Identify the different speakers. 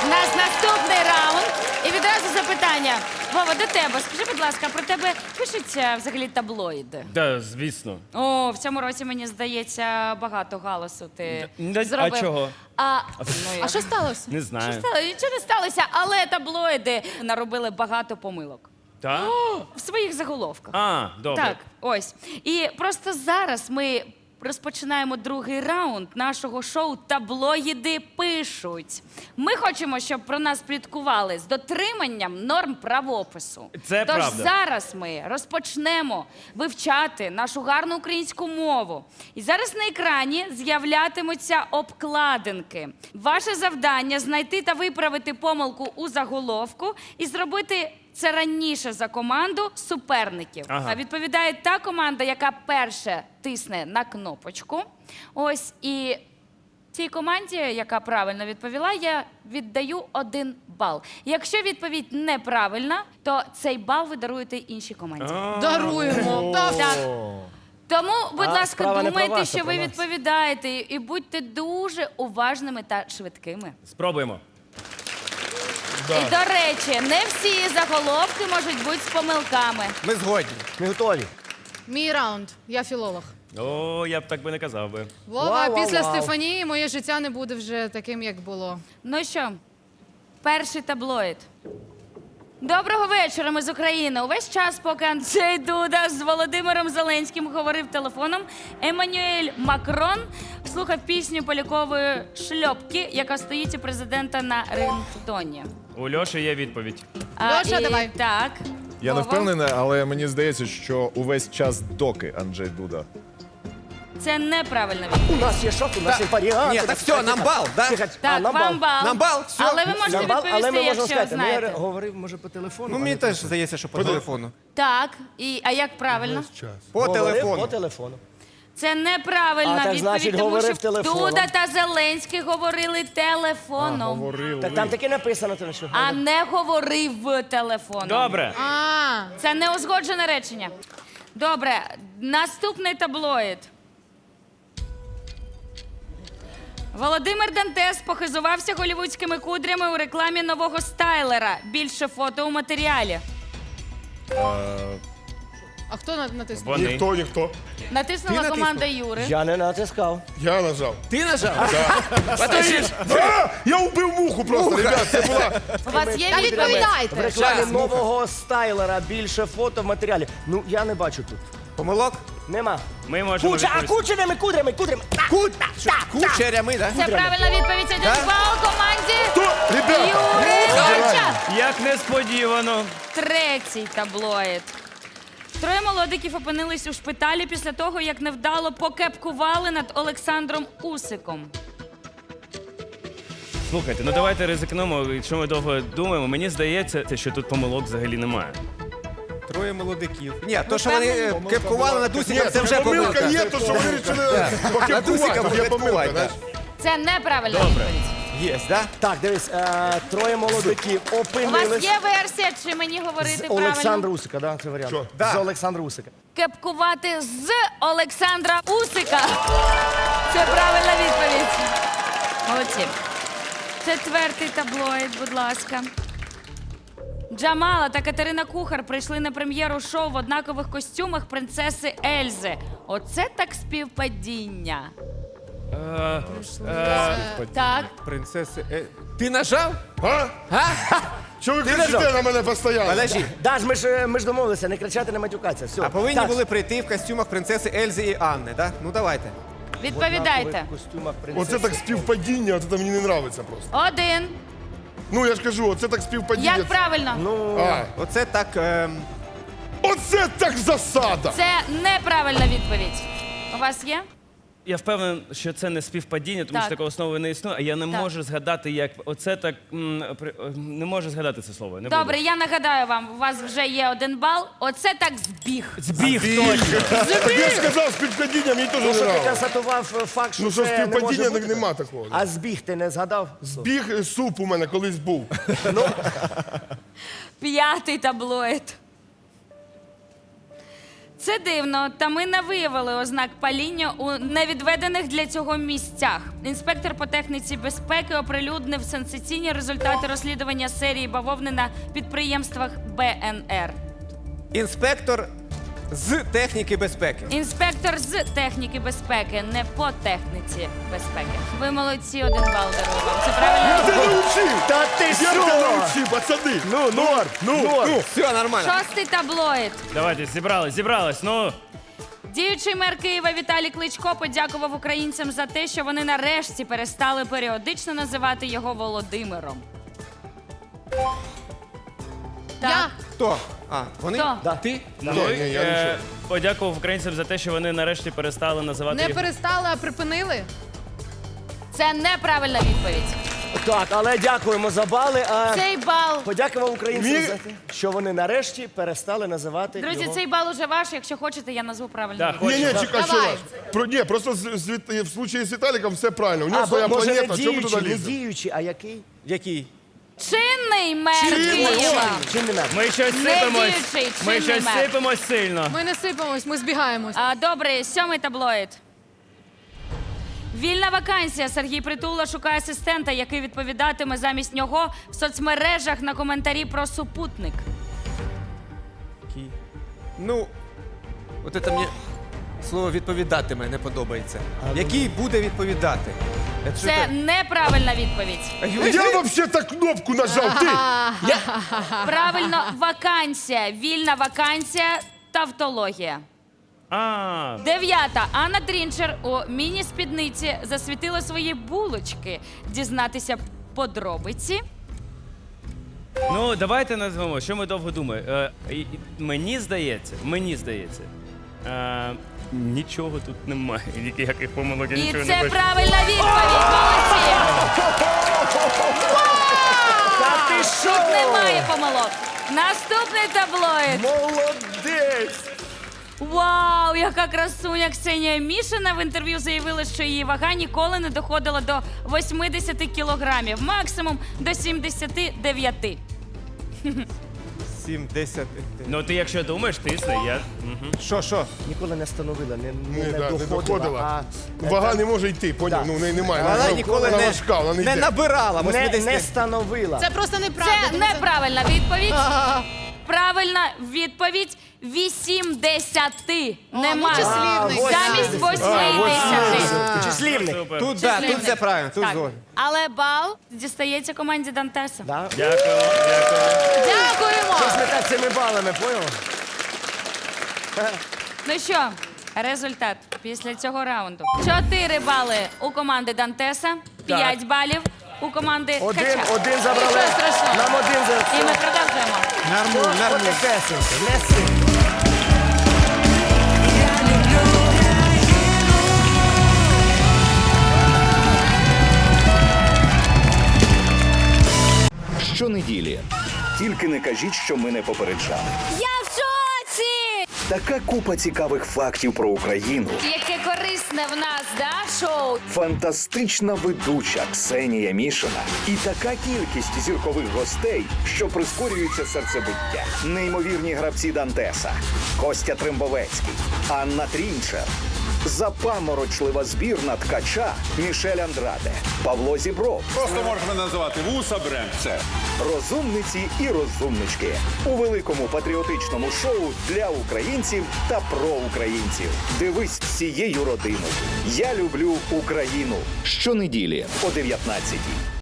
Speaker 1: У нас наступний раунд. І відразу запитання. Вова, до тебе. Скажи, будь ласка, про тебе пишуться взагалі таблоїди?
Speaker 2: Да, звісно.
Speaker 1: О, в цьому році, мені здається, багато галасу ти
Speaker 2: А
Speaker 1: зробив.
Speaker 2: чого?
Speaker 3: А що сталося?
Speaker 2: Не знаю.
Speaker 1: Нічого не сталося, але таблоїди наробили багато помилок.
Speaker 2: Так?
Speaker 1: В своїх заголовках.
Speaker 2: А, добре.
Speaker 1: Так, ось. І просто зараз ми розпочинаємо другий раунд нашого шоу «Таблоїди пишуть». Ми хочемо, щоб про нас пліткували з дотриманням норм правопису.
Speaker 2: Це
Speaker 1: Тож
Speaker 2: правда.
Speaker 1: зараз ми розпочнемо вивчати нашу гарну українську мову. І зараз на екрані з'являтимуться обкладинки. Ваше завдання – знайти та виправити помилку у заголовку і зробити це раніше за команду суперників.
Speaker 2: Ага.
Speaker 1: А відповідає та команда, яка перше тисне на кнопочку. Ось, і цій команді, яка правильно відповіла, я віддаю 1 бал. Якщо відповідь неправильна, то цей бал ви даруєте іншій команді.
Speaker 3: Даруємо.
Speaker 1: Так. Тому, будь ласка,
Speaker 4: справа не про
Speaker 1: думайте,
Speaker 4: вас, а
Speaker 1: що
Speaker 4: про
Speaker 1: ви
Speaker 4: нас.
Speaker 1: відповідаєте, і будьте дуже уважними та швидкими.
Speaker 2: Спробуємо.
Speaker 1: І, до речі, не всі заголовки можуть бути з помилками.
Speaker 5: Ми згодні.
Speaker 4: Ми готові.
Speaker 3: Мій раунд. Я філолог.
Speaker 2: О, я б так би не казав би.
Speaker 3: Вова,
Speaker 4: Вау,
Speaker 3: після
Speaker 4: вау, вау.
Speaker 3: Стефанії моє життя не буде вже таким, як було.
Speaker 1: Ну що, перший таблоїд. Доброго вечора, ми з України. Увесь час, поки Анджей Дуда з Володимиром Зеленським говорив телефоном, Еммануель Макрон слухав пісню Полякової «Шльопки», яка стоїть у президента на рингтоні.
Speaker 2: У Льоші є відповідь.
Speaker 3: Льоша, давай.
Speaker 1: Так.
Speaker 6: Я не
Speaker 1: Вова?
Speaker 6: впевнений, але мені здається, що увесь час доки Анджей Дуда.
Speaker 1: Це неправильна відповідь.
Speaker 4: У нас є шок, у нас є варіанти.
Speaker 5: Ні, так все, нам бал, да?
Speaker 1: Так, вам бал.
Speaker 5: Нам бал, все.
Speaker 1: Але ви можете
Speaker 4: Нам бал, але
Speaker 1: відповісти,
Speaker 4: ми можемо
Speaker 1: якщо
Speaker 4: сказати. Ну, я
Speaker 1: знаєте.
Speaker 4: говорив, може, по телефону.
Speaker 5: Ну, мені теж здається, що по телефону.
Speaker 1: Так, а як правильно?
Speaker 5: По
Speaker 4: Говорив
Speaker 5: телефону.
Speaker 4: по телефону.
Speaker 1: Це неправильна
Speaker 4: А, так,
Speaker 1: відповідь,
Speaker 4: значить,
Speaker 1: тому
Speaker 4: говорив
Speaker 1: що
Speaker 4: телефоном.
Speaker 1: Дуда та Зеленський говорили телефоном,
Speaker 4: Так там таки написано, то що.
Speaker 1: а не говорив телефоном.
Speaker 2: Добре.
Speaker 3: А,
Speaker 1: Це неузгоджене речення. Добре, наступний таблоїд. Володимир Дантес похизувався голівудськими кудрями у рекламі нового стайлера. Більше фото у матеріалі.
Speaker 3: а хто натиснув?
Speaker 2: Вони.
Speaker 7: Ніхто.
Speaker 1: Натиснула
Speaker 5: Ти
Speaker 1: команда Юри.
Speaker 4: Я не натискав.
Speaker 7: Я нажав.
Speaker 5: Ти нажав? Подожди.
Speaker 7: Я вбив муху просто, ребят. Це була...
Speaker 1: У вас є
Speaker 3: Та
Speaker 1: відповідь?
Speaker 4: В
Speaker 3: відповідайте.
Speaker 4: рекламі
Speaker 5: Щас,
Speaker 4: нового стайлера більше фото в матеріалі. Ну, я не бачу тут.
Speaker 5: Помилок?
Speaker 4: Нема.
Speaker 2: Ми можемо
Speaker 4: Куча, а
Speaker 2: відповісти.
Speaker 4: кучерями, кудрями.
Speaker 5: Кучерями, да?
Speaker 1: Це правильна відповідь. 1
Speaker 5: Так?
Speaker 1: бал команді
Speaker 7: Ребята,
Speaker 1: Юрича.
Speaker 2: Як несподівано.
Speaker 1: Третій таблоїд. Троє молодиків опинились у шпиталі після того, як невдало покепкували над Олександром Усиком.
Speaker 2: Слухайте, ну давайте ризикнемо, якщо ми довго думаємо. Мені здається, що тут помилок взагалі немає.
Speaker 5: Троє молодиків. Ні, то, що вони кепкували на Дусіком, це вже
Speaker 7: помилка
Speaker 5: помилка.
Speaker 7: є, то що ви вирішили
Speaker 5: На Дусіка
Speaker 7: покепкувати. Є помилка,
Speaker 5: покепкувати,
Speaker 7: знаєш.
Speaker 1: Це неправильна
Speaker 2: Добре.
Speaker 1: відповідь.
Speaker 5: Є, да?
Speaker 4: Так, дивись, троє молодиків
Speaker 1: У вас
Speaker 4: опинились.
Speaker 1: є версія, чи мені говорити
Speaker 4: З
Speaker 1: правильно?
Speaker 4: Олександра Усика, да, це варіант.
Speaker 7: Що?
Speaker 5: Да.
Speaker 4: З Олександра Усика.
Speaker 1: Кепкувати з Олександра Усика. Це правильна відповідь. Молодці. Четвертий таблоїд, будь ласка. Джамала та Катерина Кухар прийшли на прем'єру шоу в однакових костюмах принцеси Ельзи. Оце так співпадіння. Так.
Speaker 5: Принцеси. Ти нажав?
Speaker 7: А?
Speaker 5: А?
Speaker 7: Що ви
Speaker 4: нажав?
Speaker 7: кричите на мене постійно?
Speaker 5: Подожди.
Speaker 4: Даш, ми ж домовилися, не кричати, не матюкатися. Все.
Speaker 5: А повинні
Speaker 4: Так.
Speaker 5: були прийти в костюмах принцеси Ельзи і Анни, да? Ну давайте.
Speaker 1: Відповідайте.
Speaker 4: В костюмах принцеси.
Speaker 7: Оце так співпадіння, оце мені не подобається просто.
Speaker 1: 1.
Speaker 7: Ну, я ж кажу, оце так співпадіння.
Speaker 1: Як правильно?
Speaker 7: А,
Speaker 5: Оце так.
Speaker 7: оце так засада!
Speaker 1: Це неправильна відповідь. У вас є?
Speaker 2: Я впевнений, що це не співпадіння, тому
Speaker 1: Так.
Speaker 2: що такого слова не існує, а я не
Speaker 1: Так.
Speaker 2: можу згадати, як оце так. Не можу згадати це слово. Не
Speaker 1: Добре,
Speaker 2: буду.
Speaker 1: я нагадаю вам, у вас вже є 1 бал. Оце так збіг.
Speaker 2: Збіг точно.
Speaker 7: Так я ж сказав, співпадіння, мені теж
Speaker 4: Ну,
Speaker 7: не
Speaker 4: що ти
Speaker 7: нравилось.
Speaker 4: констатував факт, що
Speaker 7: Ну, що
Speaker 4: це не може
Speaker 7: співпадіння,
Speaker 4: бути?
Speaker 7: так нема такого.
Speaker 4: А збіг ти не згадав?
Speaker 7: Біг суп у мене колись був.
Speaker 1: П'ятий таблоїд. Це дивно, та ми не виявили ознак паління у невідведених для цього місцях. Інспектор по техніці безпеки оприлюднив сенсаційні результати розслідування серії бавовни на підприємствах БНР.
Speaker 5: Інспектор з техніки безпеки.
Speaker 1: Інспектор з техніки безпеки, не по техніці безпеки. Ви молодці, 1 бал дарую вам. Це
Speaker 7: Я
Speaker 1: правильно?
Speaker 7: тебе научив!
Speaker 4: Та ти
Speaker 7: Я
Speaker 4: що?
Speaker 7: тебе научив, пацани!
Speaker 4: Ну, норм, норм.
Speaker 5: Все нормально.
Speaker 1: 6-й таблоїд.
Speaker 2: Давайте, зібрались. Ну,
Speaker 1: Діючий мер Києва Віталій Кличко подякував українцям за те, що вони нарешті перестали періодично називати його Володимиром.
Speaker 3: Я.
Speaker 5: Хто? А, вони?
Speaker 1: Хто?
Speaker 4: Да.
Speaker 5: Ти?
Speaker 2: ну
Speaker 7: ні, я нічого.
Speaker 2: подякував українцям за те, що вони нарешті перестали називати
Speaker 3: Не
Speaker 2: його.
Speaker 3: перестали, а припинили.
Speaker 1: Це неправильна відповідь.
Speaker 4: Так, але дякуємо за бали. А
Speaker 1: Цей бал.
Speaker 4: подякував українцям
Speaker 7: Мі-
Speaker 4: за те, що вони нарешті перестали називати
Speaker 1: Друзі,
Speaker 4: його.
Speaker 1: цей бал уже ваш. Якщо хочете, я назву правильну
Speaker 2: Так,
Speaker 1: відповідь.
Speaker 7: Ні, чекай, що
Speaker 3: Давай.
Speaker 7: ваш? Ні, просто в случаї з Віталіком все правильно. У нього
Speaker 4: А,
Speaker 7: своя
Speaker 4: може, не
Speaker 7: планета, чому ми
Speaker 4: діючий,
Speaker 7: туди
Speaker 4: не
Speaker 7: ліземо?
Speaker 4: діючий, а який?
Speaker 5: Який?
Speaker 1: Чинний мер
Speaker 7: Чинний,
Speaker 1: Києва.
Speaker 4: Чим не мер?
Speaker 2: Ми щось
Speaker 1: Не
Speaker 2: сипемось.
Speaker 1: діючий,
Speaker 2: Ми
Speaker 1: чинний
Speaker 2: щось
Speaker 1: мер.
Speaker 2: сипемось сильно.
Speaker 3: Ми не сипемось, ми збігаємось.
Speaker 1: Добре, 7-й таблоїд. Вільна вакансія. Сергій Притула шукає асистента, який відповідатиме замість нього в соцмережах на коментарі про супутник.
Speaker 5: Який? Ну, от це мені слово відповідатиме не подобається. Який буде відповідати?
Speaker 1: Це неправильна відповідь.
Speaker 7: Я взагалі так кнопку нажав, ти!
Speaker 1: Правильно, вакансія. Вільна вакансія. Тавтологія. 9-та. Анна Трінчер у міні-спідниці засвітила свої булочки. Дізнатися подробиці.
Speaker 2: Ну, давайте назвемо, що ми довго думаємо. Мені здається, нічого тут немає. Ніяких помилок, я
Speaker 1: І
Speaker 2: нічого не
Speaker 1: це
Speaker 2: бачу.
Speaker 1: правильна відповідь. Молодці!
Speaker 4: Та ти що?
Speaker 1: Тут немає помилок. Наступний таблоїд.
Speaker 4: Молодець!
Speaker 1: Вау, яка красуня Ксенія Мішина в інтерв'ю заявила, що її вага ніколи не доходила до 80 кілограмів, максимум до 79.
Speaker 5: 70.
Speaker 2: Ну, ти якщо думаєш, тисни, я...
Speaker 5: Що?
Speaker 4: Ніколи не становила, не
Speaker 7: Ні, да, не
Speaker 4: доходила.
Speaker 7: доходила.
Speaker 4: А
Speaker 7: Вага не може йти, поняв?
Speaker 4: Да.
Speaker 7: Ну, в неї немає.
Speaker 5: Вона ніколи
Speaker 7: вона важка, вона не
Speaker 5: не
Speaker 7: йде.
Speaker 5: набирала
Speaker 4: не
Speaker 5: 80.
Speaker 4: становила.
Speaker 3: Це просто неправда.
Speaker 1: Це
Speaker 3: тому що-
Speaker 1: неправильна відповідь. Правильна відповідь 80. Нема.
Speaker 3: числівник.
Speaker 1: Замість 80.
Speaker 4: Числівник.
Speaker 2: Супер.
Speaker 5: Тут, да, тут все правильно, тут
Speaker 1: Так.
Speaker 5: згоден.
Speaker 1: Але бал дістається команді Дантеса.
Speaker 4: Да?
Speaker 2: Дякую.
Speaker 3: Дякуємо!
Speaker 4: Щось не так цими балами, поняв?
Speaker 1: Ну що, результат після цього раунду. 4 бали у команди Дантеса, 5 балів у команди
Speaker 4: Один
Speaker 1: Кача.
Speaker 4: забрали.
Speaker 3: Нічого страшного.
Speaker 4: Нам один
Speaker 1: І ми
Speaker 4: за...
Speaker 1: продовжуємо.
Speaker 5: Нормально.
Speaker 4: Потихесенько, не сильно.
Speaker 8: Щонеділі. Тільки не кажіть, що ми не попереджали.
Speaker 1: Я в шоці!
Speaker 8: Така купа цікавих фактів про Україну.
Speaker 1: Яке корисне в нас, да, шоу?
Speaker 8: Фантастична ведуча Ксенія Мішина. І така кількість зіркових гостей, що прискорюється серцебиття. Неймовірні гравці Дантеса. Костя Трембовецький, Анна Трінчер. Запаморочлива збірна ткача Мішель Андраде, Павло Зібров.
Speaker 9: Просто можна називати вуса Бремце.
Speaker 8: Розумниці і розумнички у великому патріотичному шоу для українців та про українців. Дивись всією родиною. Я люблю Україну. Щонеділі о 19-й.